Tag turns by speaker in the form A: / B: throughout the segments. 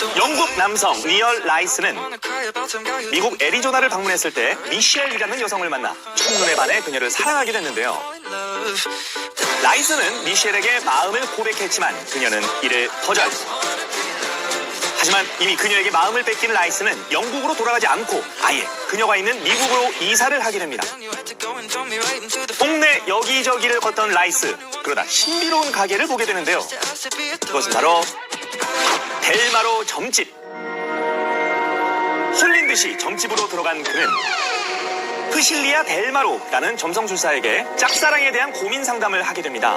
A: 영국 남성 리얼 라이스는 미국 애리조나를 방문했을 때 미셸이라는 여성을 만나 첫눈에 반해 그녀를 사랑하게 됐는데요. 라이스는 미셸에게 마음을 고백했지만 그녀는 이를 거절. 하지만 이미 그녀에게 마음을 뺏긴 라이스는 영국으로 돌아가지 않고 아예 그녀가 있는 미국으로 이사를 하게 됩니다. 동네 여기저기를 걷던 라이스, 그러다 신비로운 가게를 보게 되는데요. 그것은 바로 델마로 점집. 홀린 듯이 점집으로 들어간 그는 프실리아 델마로라는 점성술사에게 짝사랑에 대한 고민 상담을 하게 됩니다.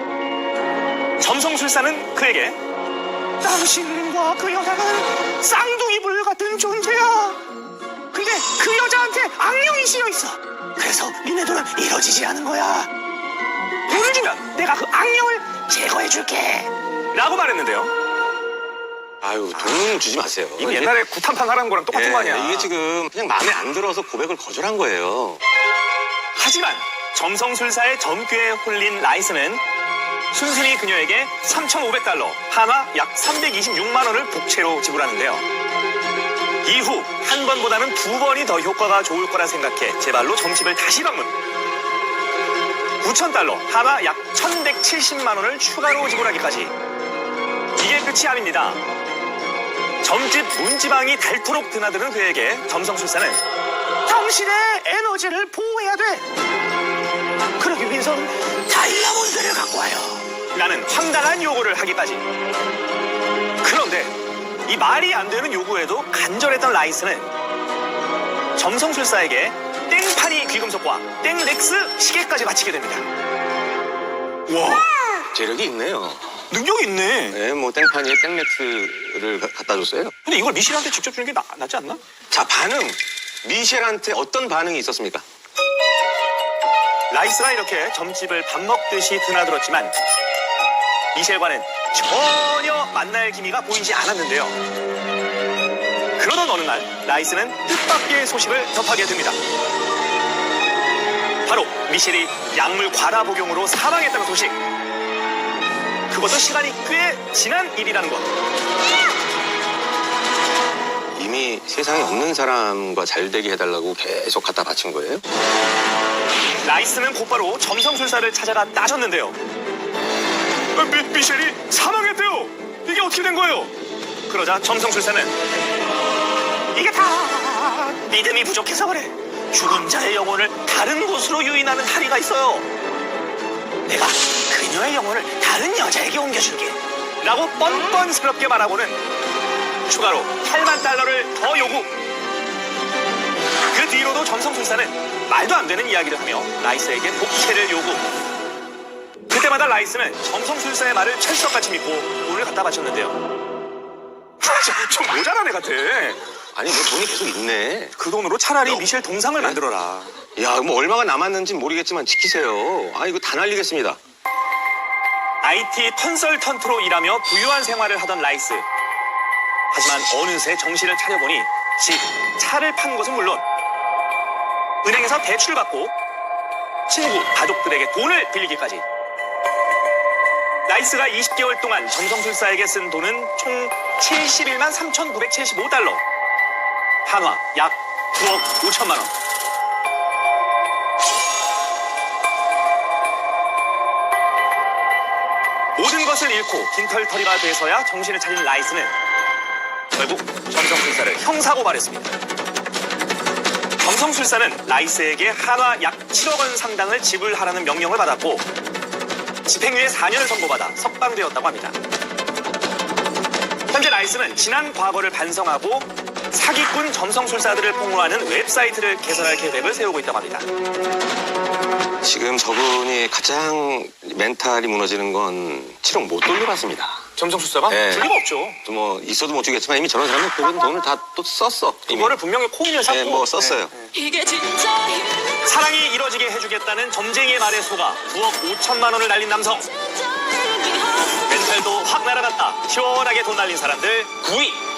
A: 점성술사는 그에게 당신과 그 여자는 쌍둥이불 같은 존재야. 근데 그 여자한테 악령이 씌여있어. 그래서 니네들은 이뤄지지 않은 거야. 돈을 주면 내가 그 악령을 제거해줄게 라고 말했는데요.
B: 아유, 돈 주지 마세요.
A: 이거 옛날에 구탄판 하라는 거랑 똑같은 거 아니야.
B: 이게 지금 그냥 마음에 안 들어서 고백을 거절한 거예요.
A: 하지만 점성술사의 점괘에 홀린 라이스는 순순히 그녀에게 3,500달러, 한화 약 326만 원을 복채로 지불하는데요. 이후 한 번보다는 두 번이 더 효과가 좋을 거라 생각해 제발로 점집을 다시 방문. 9,000달러, 한화 약 1,170만 원을 추가로 지불하기까지. 이게 끝이 아닙니다. 점집 문지방이 닳도록 드나드는 그에게 점성술사는 당신의 에너지를 보호해야 돼. 그러기 위해선 다이아몬드를 갖고 와요 라는 황당한 요구를 하기까지. 그런데 이 말이 안 되는 요구에도 간절했던 라이스는 점성술사에게 땡파니 귀금속과 땡렉스 시계까지 바치게 됩니다. 와,
B: 재력이 있네요.
A: 능력이 있네.
B: 네, 뭐 땡파니에 땡렉스를 갖다 줬어요.
A: 근데 이걸 미셸한테 직접 주는 게 낫지 않나?
B: 자, 반응. 미셸한테 어떤 반응이 있었습니까?
A: 라이스가 이렇게 점집을 밥 먹듯이 드나들었지만 미셸과는 전혀 만날 기미가 보이지 않았는데요. 그러던 어느 날 라이스는 뜻밖의 소식을 접하게 됩니다. 바로 미셸이 약물 과다 복용으로 사망했다는 소식. 그것도 시간이 꽤 지난 일이라는 것.
B: 이미 세상에 없는 사람과 잘 되게 해달라고 계속 갖다 바친 거예요?
A: 라이스는 곧바로 점성술사를 찾아가 따졌는데요. 미셸이 사망했대요. 이게 어떻게 된 거예요? 그러자 점성술사는 이게 다 믿음이 부족해서 그래. 죽은 자의 영혼을 다른 곳으로 유인하는 다리가 있어요. 내가 그녀의 영혼을 다른 여자에게 옮겨줄게 라고 뻔뻔스럽게 말하고는 추가로 8만 달러를 더 요구. 그 뒤로도 점성술사는 말도 안 되는 이야기를 하며 라이스에게 복채를 요구. 그때마다 라이스는 점성술사의 말을 철석같이 믿고 돈을 갖다 바쳤는데요. 좀 모자란 애 같아.
B: 아니, 뭐 돈이 계속 있네.
A: 그 돈으로 차라리 미셸 동상을 만들어라.
B: 야, 뭐 얼마가 남았는지 모르겠지만 지키세요. 아, 이거 다 날리겠습니다.
A: IT 컨설턴트로 일하며 부유한 생활을 하던 라이스. 하지만 어느새 정신을 차려보니 집, 차를 판 것은 물론 은행에서 대출을 받고 친구, 가족들에게 돈을 빌리기까지. 라이스가 20개월 동안 점성술사에게 쓴 돈은 총 71만 3,975달러. 한화 약 9억 5천만 원. 모든 것을 잃고 빈털터리가 돼서야 정신을 차린 라이스는 결국 점성술사를 형사고발했습니다. 점성술사는 라이스에게 한화 약 7억 원 상당을 지불하라는 명령을 받았고 집행유예 4년을 선고받아 석방되었다고 합니다. 현재 라이스는 지난 과거를 반성하고 사기꾼 점성술사들을 폭로하는 웹사이트를 개설할 계획을 세우고 있다고 합니다.
B: 지금 저분이 가장 멘탈이 무너지는 건 7억 못 돌려받습니다.
A: 점성술사가?
B: 네.
A: 줄 리가 없죠.
B: 또 뭐 있어도 못 주겠지만 이미 저런 사람은 그런 돈을 다 또 썼어. 이미.
A: 그거를 분명히 코인을 샀고
B: 네, 뭐 썼어요.
C: 이게 진짜
A: 사랑이 이뤄지게 해주겠다는 점쟁이의 말에 속아 9억 5천만 원을 날린 남성. 멘탈도 확 날아갔다. 시원하게 돈 날린 사람들 9위.